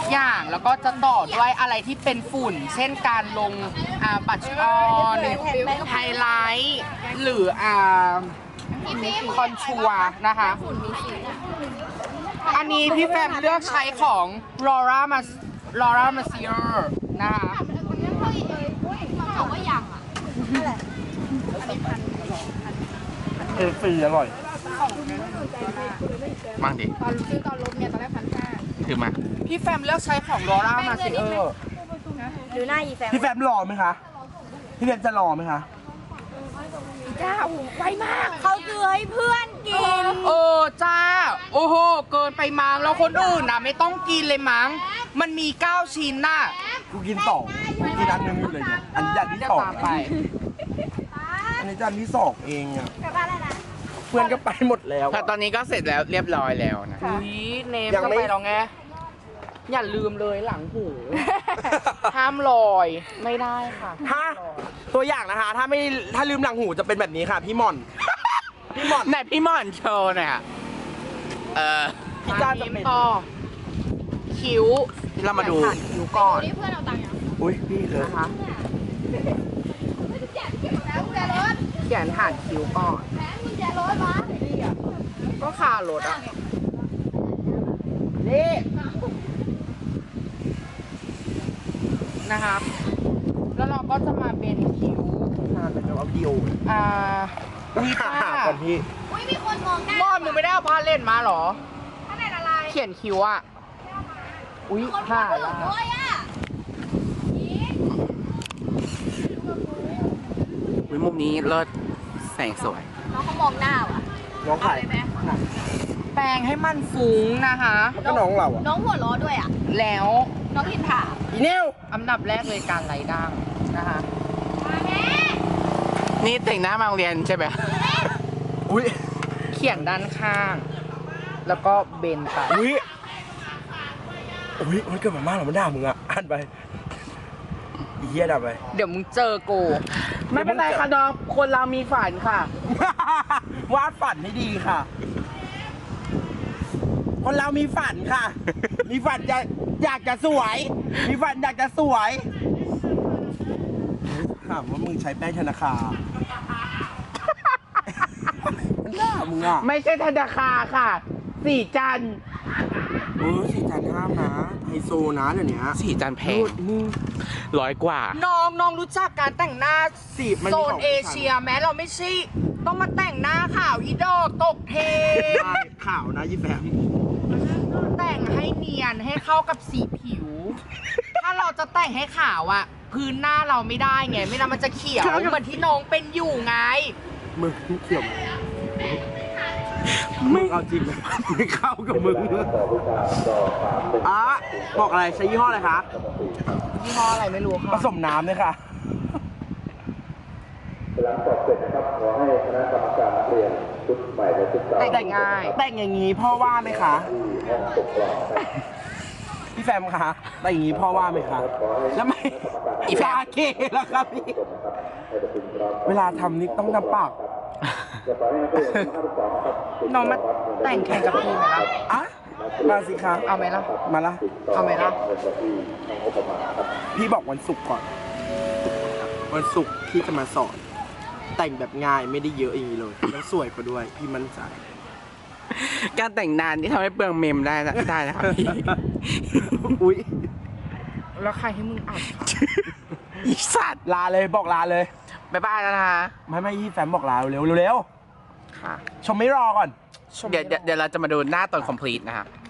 อย่างแล้วก็จะต่อด้วยอะไรที่เป็นฝุ่น เช่นการลงบัตรออนไฮไลท์หรือคอนชัวร์นะคะอันนี้พี่แฟมเลือกใช้ของ Laura Mercier นะคะฟรีอร่อยมั่งดิตอนซื้อตอนลบเนี่ยตอนแรก1,500 ถือมาพี่แฟมเลือกใช้ของ Laura Mercier ดูหน้าอีแฟมพี่แฟมรอไหมคะพี่แฟมจะรอไหมคะจ้าโอ้โหไวมากเขาซื้อให้เพื่อนกินจ้าโอ้โหเกินไปมั้งแล้วคนอื่นนะไม่ต้องกินเลยมั้งมันมี9ชิ้นน่ะกูกิน2กูกินอันนึงอยู่เลยเนี่ยอันจานที่จะสองตามไปอันนี้จานที่2เองอ่ะเพื่อนก็ไปหมดแล้วแต่ตอนนี้ก็เสร็จแล้วเรียบร้อยแล้วนะอุ้ยเนมยังจะไม่ไปแล้วไงอย่าลืมเลยหลังหู ห้ามลอยไม่ได้ค่ะถ้าตัวอย่างนะคะ ถ้าลืมหลังหูจะเป็นแบบนี้ค่ะ พี่หม่อน พี่หม่อนไหนพี่ม่อนโชว์หน่อยค่ะพี่จ้าจะเป็นต่อคิ้วเรามาดูผ่านคิ้วก่อนนี่เพื่อนเอาตังค์ยังอุ้ยพี่เลยนะคะแล้วกุญแจรถเขียนผ่านคิ้วก่อนแหมกุญแจรถมาก็คารถอ่ะนี่นะครับ แล้วเราก็จะมาเป็นคิ้วเป็นแบบว่าวิดีโอวีต้าก่อนพี่อุ้ยมีคนมองหน้าม่อนมึงไม่ได้เอาผ้าเล่นมาเหรอข้างในอะไรเขียนคิ้วอ่ะ อุ้ยคนผ้าพูดละด้วยอ่ะวิมุมนี้เลิศแสงสวยน้องเขามองหน้าว่ะน้องไข่เอาเลยไหมแปรงให้มันฟุ้งนะคะแล้วก็น้องเราอ่ะน้องหัวล้อด้วยอ่ะแล้วน้องอินถามอีเนวอันดับแรกเลยการไล่ด่างนะคะมาแม่นี่แต่งหน้ามาโรงเรียนใช่ไหมอุ้ยเขียนด้านข้าง แล้วก็เบนไปอุ้ยอุ้ยมันเกิดมามากเหรอมันด่ามึงอ่ะอ่านไปอีเหี้ยด่าไปเดี๋ยวมึงเจอกูไม่เป็นไรค่ะน้องคนเรามีฝันค่ะวาดฝันให้ดีค่ะ คนเรามีฝันค่ะ มีฝันอยากจะสวย มีฝันอยากจะสวยถามว่ามึงใช้แป้งธนาคารมันด่ามึงอ่ะไม่ใช่ธนาคารค่ะ สี่จันทร์สี่จานห้ามนะไฮโซนะเดี๋ยวนี้สีจานแพงมึง 100 กว่าน้องรู้จักการแต่งหน้าสีมันโซมีนของเอเชียแม้เราไม่ใช่ต้องมาแต่งหน้าขาวอีดอกตกเทใช่ข่าวนะยี่แฟมแต่งให้เนียนให้เข้ากับสีผิว ถ้าเราจะแต่งให้ขาวอะพื้นหน้าเราไม่ได้ไง ไม่งั้นมันจะเขียวเหมือนที่น้องเป็นอยู่ไงมึงเกี่ยวมึงเอาจริงไหมไม่เข้ากับมึงอ่ะบอกอะไรใช้ยี่ห้ออะไรคะยี่ห้ออะไรไม่รู้ผค่ะสมน้ำเลยค่ะหลังสอบเสร็จนะครับขอให้คณะกรรมการนักเรียนชุดใหม่และชุดเก่าแต่งง่ายแต่งอย่างนี้พ่อว่าไหมคะที่ห้องปกครองครับพี่แฟมคะแต่งอย่างนี้พ่อว่าไหมคะแล้วไม่อีฟาเกแล้วครับพี่ให้ประชุมพร้อมเวลาทำนี่ต้องทำปากจะขอให้นักเรียนทั้ง52ครับน้องมาแต่งแข่งกับพี่ไหมล่ะอ่ะมาสิคะเอาไหมล่ะมาละเอาไหมล่ะเงินบัญชีทางงบประมาณครับพี่บอกวันศุกร์ก่อน วันศุกร์พี่จะมาสอน แต่งแบบง่ายไม่ได้เยอะอย่างนี้เลยแล้วสวยกว่าด้วย พี่มั่นใจการแต่งนานนี่ทำให้เปลืองเมมได้นะครับพี่อุ้ยแล้วใครให้มึงอัดคะอีสัตว์ลาเลยบอกลาเลยบ๊ายบายแล้วนะคะไม่พี่แฟมบอกลาเร็วเร็วค่ะชมไม่รอก่อนเดี๋ยวเราจะมาดูหน้าตอน complete นะครับ